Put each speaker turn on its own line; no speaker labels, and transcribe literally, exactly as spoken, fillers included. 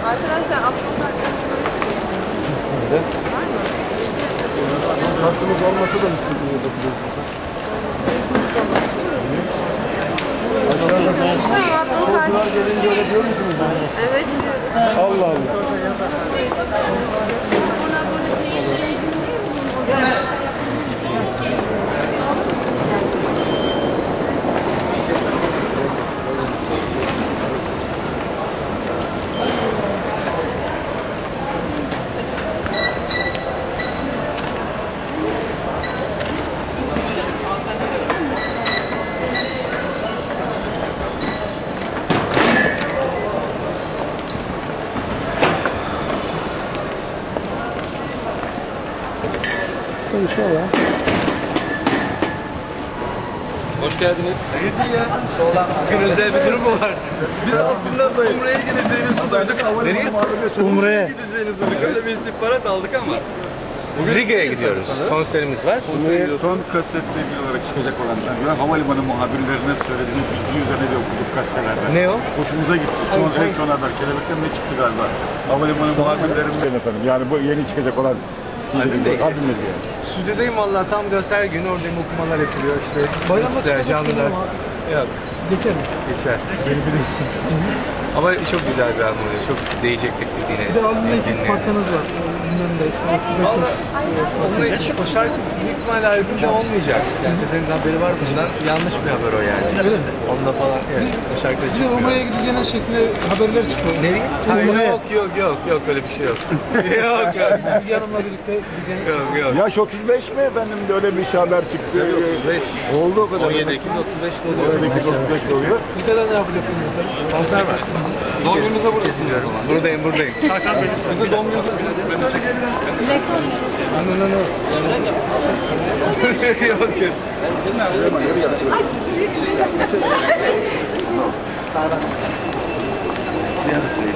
Arkadaşlar Abdülhamid
Şöyle. Hakkımız olmasa da müşteriye bakıyoruz. Çocuklar gelince öyle diyor musunuz?
Evet diyoruz.
Allah Allah. İnşallah.
Hoş geldiniz.
Hayırdır ya? Bugün özel bir durum mu var? Biz aslında Umre'ye gideceğinizi duyduk. Nereye?
Umre'ye
Gideceğinizi duyduk. Öyle bir istihbarat aldık ama.
Bugün Riga'ya gidiyoruz. Konserimiz var.
Son kasetle ilgili olarak çıkacak olan ben havalimanı muhabirlerine söylediğiniz bilgi üzerine de okuduk gazetelerde.
Ne o?
Hoşumuza gitti. Son reaksiyon haber. Kelebekten ne çıktı galiba? Havalimanı muhabirlerinden efendim. Yani bu yeni çıkacak olan albümde diye.
Stüdyodayım vallahi tam göster günü oradayım, okumalar yapılıyor işte. Bayramda canlılar. Yok.
Geçer mi?
Geçer. Beni biliyorsunuz. Ama çok güzel bir albüm oluyor. Çok değecek beklediğine.
Bir de albümde iki parçanız var. Bilmem de işte
Onunla iki o şarkı büyük ihtimalle albümde olmayacak. Yani senin haberi var bundan. Yanlış bir haber o yani.
Öyle mi?
Onunla falan evet. O şarkıda
Bir de
çıkmıyor.
Umre'ye gideceğiniz şeklinde haberler çıkıyor.
Nereye? Hayır, yok yok yok yok öyle bir şey yok. yok yok.
Bilgi Hanım'la birlikte gideceğiniz.
Yok yok.
Yaş otuz beş mi efendim de öyle bir şey haber çıktı.
otuz beş.
Oldu o kadar.
on yedi Ekim otuz beşte oluyor.
otuz beş oluyor.
Ülkeden ne yapacaksınız efendim?
Konser var.
Doğum gününüzde buradasınız.
Buradayım buradayım.
Bize doğum gününüzde
No no no. Yok yok.
Ay,